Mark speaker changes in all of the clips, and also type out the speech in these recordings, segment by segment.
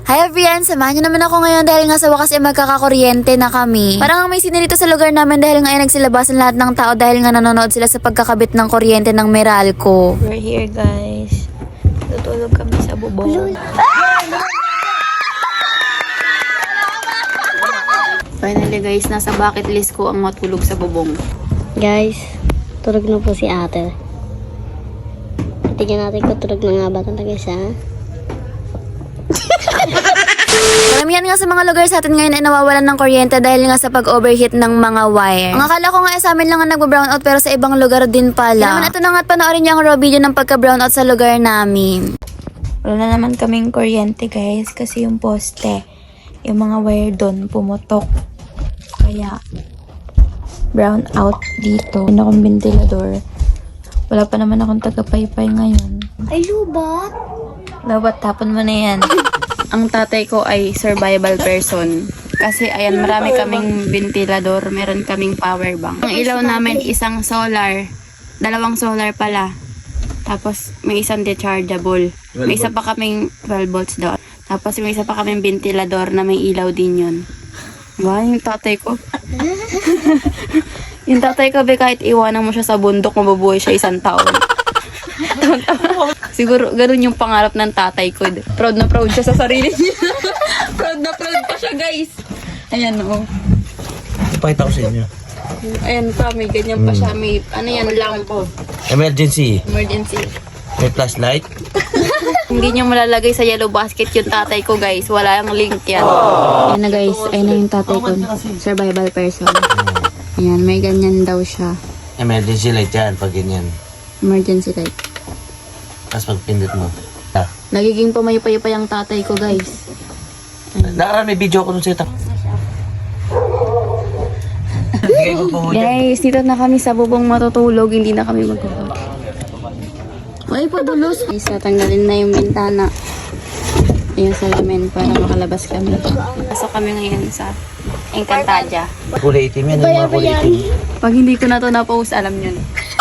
Speaker 1: Hi everyone! Samahan niyo naman ako ngayon dahil nga sa wakas ay magkakakuryente na kami. Parang may sine dito sa lugar namin dahil nga ay nagsilabasan lahat ng tao dahil nga nanonood sila sa pagkakabit ng kuryente ng Meralco.
Speaker 2: We're here guys. Tutulog kami sa bubong. Finally guys, nasa bucket list ko ang matulog sa bubong.
Speaker 3: Guys, tulog na po si ate. Tingnan natin kung tulog na nga ba talaga siya.
Speaker 1: Karamihan nga sa mga lugar sa atin ngayon ay nawawalan ng kuryente dahil nga sa pag-overheat ng mga wire. Ang akala ko nga ay sa amin lang ang nagbo-brownout pero sa ibang lugar din pala. Kaya naman ito na nga at panoorin niyo ang raw video ng pagka-brownout sa lugar namin.
Speaker 2: Wala na naman kaming kuryente guys kasi yung poste, yung mga wire doon pumutok. Kaya brown out dito. Hindi akong ventilador. Wala pa naman akong taga-paypay ngayon.
Speaker 3: Ay, lubat!
Speaker 2: Dapat tapon mo na yan. Ang tatay ko ay survival person. Kasi ayan, marami kaming ventilador, meron kaming power bank. Ang ilaw namin isang solar, dalawang solar pala. Tapos may isang dechargeable. May isa pa kaming 12 volts doon. Tapos may isa pa kaming ventilador na may ilaw din yun. Wow, yung tatay ko. Yung tatay ko, kahit iwanan mo siya sa bundok, mabubuhay siya isang taon. Siguro ganun yung pangarap ng tatay ko. Proud na proud siya sa sarili niya. Proud na proud pa siya guys. Ayan o.
Speaker 4: Ipakita ko sa inyo.
Speaker 2: Ayan pa, may ganyan pa siya. May ano yan lang po.
Speaker 4: Emergency.
Speaker 2: Emergency.
Speaker 4: May flashlight.
Speaker 2: Hindi niyo malalagay sa yellow basket yung tatay ko guys. Wala yung link yan. Ayan na guys. Ayan na yung tatay ko. Survival person. Ayan, may ganyan daw siya.
Speaker 4: Emergency light yan pag ganyan.
Speaker 2: Emergency light.
Speaker 4: Tapos pag pindot mo.
Speaker 2: Nagiging pamaypay pa yung tatay ko guys.
Speaker 4: Nakaraan may video ako nun sa'yo.
Speaker 2: Guys, dito na kami sa bubong matutulog. Hindi na kami magkukot. Ay, padulos. Guys, tatanggalin na yung bintana. Yung salamin para makalabas kami. Pasok kami ngayon sa Encantadia.
Speaker 4: Kulay itim yan. Yung mga kulay itim.
Speaker 2: Pag hindi ko na to na-post, alam nyo na.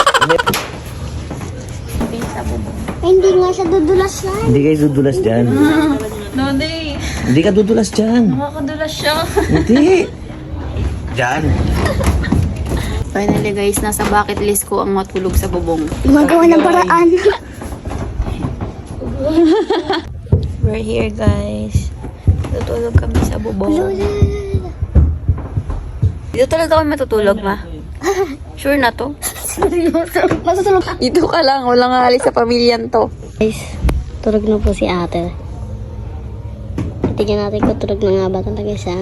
Speaker 2: Sa bubong.
Speaker 3: Ay, hindi nga siya dudulas yan.
Speaker 4: Hindi kayo dudulas dyan.
Speaker 2: Nodi,
Speaker 4: Hindi ka dudulas dyan.
Speaker 2: nakakadulas siya.
Speaker 4: Hindi. Dyan.
Speaker 2: Finally guys, nasa bucket list ko ang matulog sa bubong.
Speaker 3: Gumagawa ng paraan.
Speaker 2: We're here guys. Tutulog kami sa bubong. Dito talaga kami matutulog, ma? Sure na to?
Speaker 3: Matutulog.
Speaker 2: Dito ka lang, walang alis sa pamilyan to.
Speaker 3: Guys, tulog na po si ate. Tingnan natin kung tulog na nga ba talaga siya.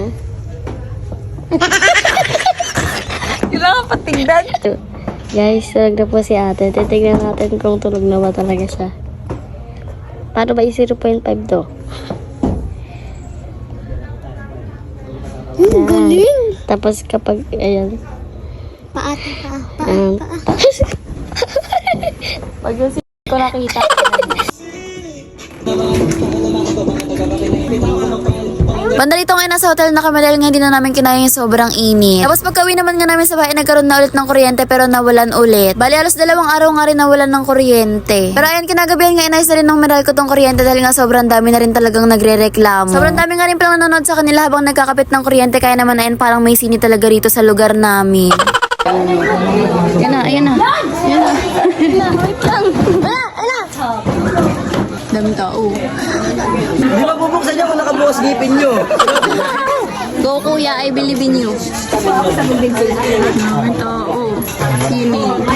Speaker 2: Kailangan patigdan.
Speaker 3: Guys, tulog na po si ate. Titignan natin kung tulog na ba talaga siya. Paano ba yung 0.5 to? Galing! Tapos kapag, ayan. Paa.
Speaker 2: Pag yung ko nakita.
Speaker 1: Banda dito ngayon nasa hotel na kami dahil nga hindi na namin kinaya yung sobrang init. Tapos pagka-uwi naman nga namin sa bahay, nagkaroon na ulit ng kuryente pero nawalan ulit. Bali, alos 2 araw nga rin nawalan ng kuryente. Pero ayan, kinagabihan nga inayos na rin ng Meralco tong kuryente dahil nga sobrang dami na rin talagang nagre-reklamo. Sobrang dami nga rin palang nanonood sa kanila habang nagkakapit ng kuryente kaya naman ayan parang may sini talaga rito sa lugar namin.
Speaker 2: Ayan na. Ayan na. Daming tao.
Speaker 4: Di ba bubuksan niyo kung nakabukas ngipin niyo?
Speaker 2: Go kuya, I believe in you. Daming tao. Sini.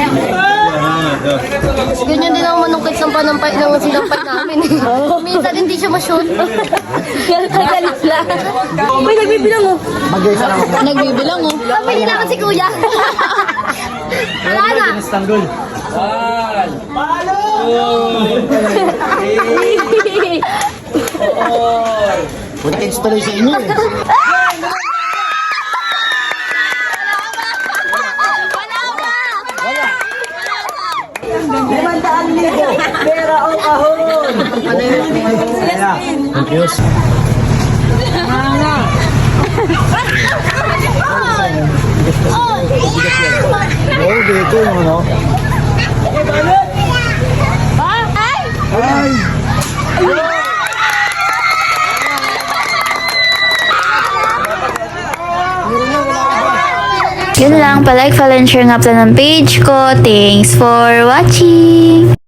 Speaker 3: Ganyan din ako manungkit ng panampay ng sinampay namin. Minsan hindi siya ma-shoot. Galit lang. May nagbibilang oh.
Speaker 2: Nagbibilang oh.
Speaker 3: Pamili na ako si kuya. Wala na.
Speaker 4: Punta kayo tuloy sa inyo eh. Pera o kahon! Thank you. Oh, dito yung ano. Ay!
Speaker 1: Yun lang, palike, follow, and share nga pala ng page ko. Thanks for watching!